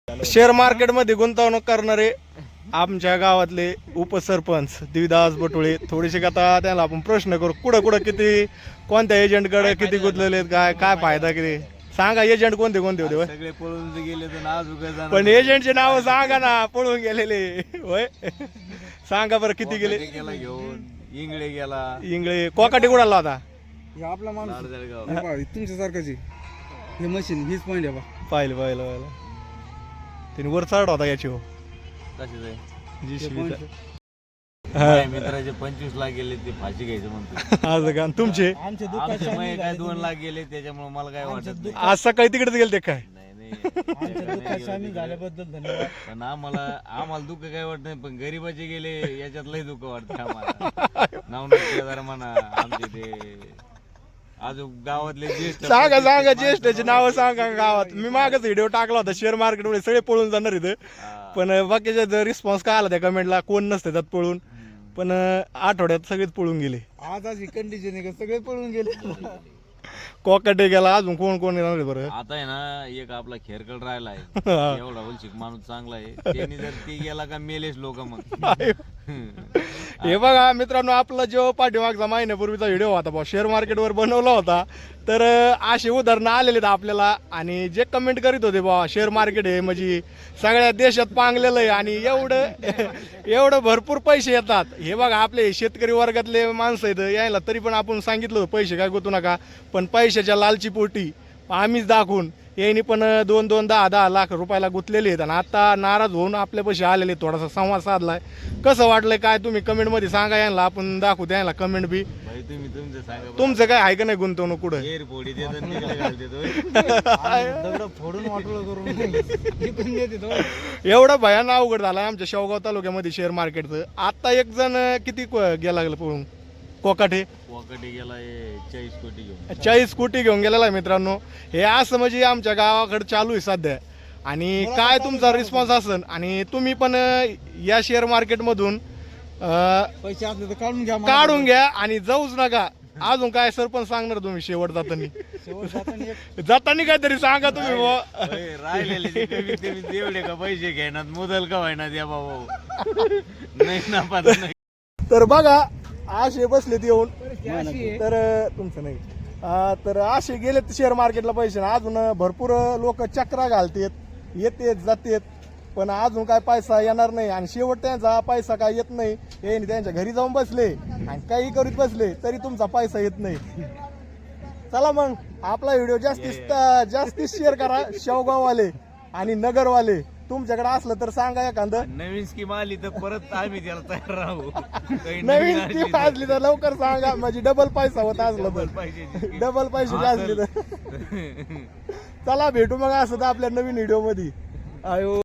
Share मार्केटमध्ये गुंतवणूक करणारे आमच्या गावातले उपसरपंच देवीदास बटुळे थोडीशी आता त्याला आपण प्रश्न करू कुठं कुठं किती कोणत्या एजंटकडे किती गुंतलेले काय काय फायदा किती सांगा. एजंट कोणते कोणते होते सगळे पळून गेले तर आज उगा पण एजंटचे नाव सांगा ना पळून गेलेले होय सांगा बरं किती गेले. गेला घेऊन इंगळे गेला इंगळे कोकाटी कुडाला होता आपला माणूस जळगाव तुमच्यासारखाची हे मशीन हीच पॉईंट आहे बा. पाहिलं पाहिलं पाहिलं त्याने वर चढ होता याची हो तसेच आहे. जी माझ्या मित्राचे 25 लाख गेले ते फाशी घ्यायचं म्हणतो. आज का तुमचे आमच्या आमचे मग काय 2 लाख गेले त्याच्यामुळे मला काय वाटत नाही. आज सकाळी तिकडेच गेले ते काय नाही सामील झाल्याबद्दल धन्यवाद. पण आम्हाला दुःख काय वाटत नाही पण गरीबाचे गेले याच्यात लय दुःख वाटतं आम्हाला. नाव म्हणा आमचे ते अजून गावातले ज्येष्ठ सांगा सांगा ज्येष्ठाची नावं सांगा गावात. मी मागच व्हिडिओ टाकला होता शेअर मार्केट मध्ये सगळे पळून जाणार इथं पण बाकीच्या रिस्पॉन्स काय आला त्या कमेंटला कोण नसते त्यात पळून पण आठवड्यात सगळेच पळून गेले. आज अशी कंडिशन आहे का सगळे पळून गेले. कोकाटे गेला अजून कोण कोण येणार आहे बरं. आता आहे ना एक आपला खेरकड राहिला आहे एवढा वलशिक माणूस चांगला आहे त्यांनी जर ती गेला का मेलेच लोक मग. हे बघा मित्रांनो आपला जो पाठीमागचा महिन्यापूर्वीचा व्हिडिओ होता बा शेअर मार्केटवर बनवला होता तर असे उदाहरणं आलेले आहेत आपल्याला आणि जे कमेंट करीत होते बा शेअर मार्केट हे म्हणजे सगळ्या देशात पांगलेलं आहे आणि एवढं भरपूर पैसे येतात. हे बघा आपले शेतकरी वर्गातले माणसं आहेत यायला तरी पण आपण सांगितलं होतं पैसे काय गुंतू नका पण पैशाच्या लालची पोटी आम्हीच दाखवून यांनी पण 2-10 लाख रुपयाला गुंतलेले आहेत आणि आता नाराज होऊन आपल्यापाशी आलेले थोडासा संवाद साधलाय. कसं वाटलंय काय तुम्ही कमेंटमध्ये सांगा यांना आपण दाखवू द्यायला कमेंट बी. भाई तुम्ही तुमचं सांगा तुमचं काय आहे का नाही गुंतवणूक कुठं एअरपोर्ट देतो तिकडे घाल देतो. दगड फोडून वाटोळं करून एवढं भयान अवघड झालं आमच्या शेवगाव तालुक्यामध्ये शेअर मार्केटचं. आता एक जण किती गेला लागलं पळून कोकाटे वॉकटी गेला 40 कोटी घेऊन 40 कोटी घेऊन गेलेला आहे मित्रांनो. हे असं म्हणजे आमच्या गावाकडे चालू आहे सध्या आणि काय तुमचा रिस्पॉन्स असेल आणि तुम्ही पण या शेअर मार्केटमधून पैसे असले तर काढून घ्या आणि जाऊच नका. अजून काय सरपंच सांगणार तुम्ही शेवट जाताना काहीतरी सांगा तुम्ही राहिलेले जे कमीत कमी तेवढे का पैसे घेणार मुदल का व्हायना द्या बाबा नाही ना पाहत नाही. तर बघा असे बसलेत येऊन तर तुमचं नाही तर असे गेलेत शेअर मार्केटला पैसे अजून भरपूर लोक चक्रा घालतेत येतेत जातेत पण अजून काय पैसा येणार नाही आणि शेवट त्यांचा पैसा काय येत नाही. हे त्यांच्या घरी जाऊन बसले आणि काही करीत बसले तरी तुमचा पैसा येत नाही. चला मग आपला व्हिडिओ जास्तीत शेअर करा. शेवगाववाले आणि नगरवाले तुमच्याकडे असलं तर सांगा एखादं नवीन स्कीम आली तर परत आम्ही त्याला तयार राहू. नवीन स्कीम असली तर लवकर सांगा म्हणजे डबल पैसा होत असलं तर डबल पैसे असले तर चला भेटू मग असं तर आपल्या नवीन व्हिडिओ मध्ये. आयो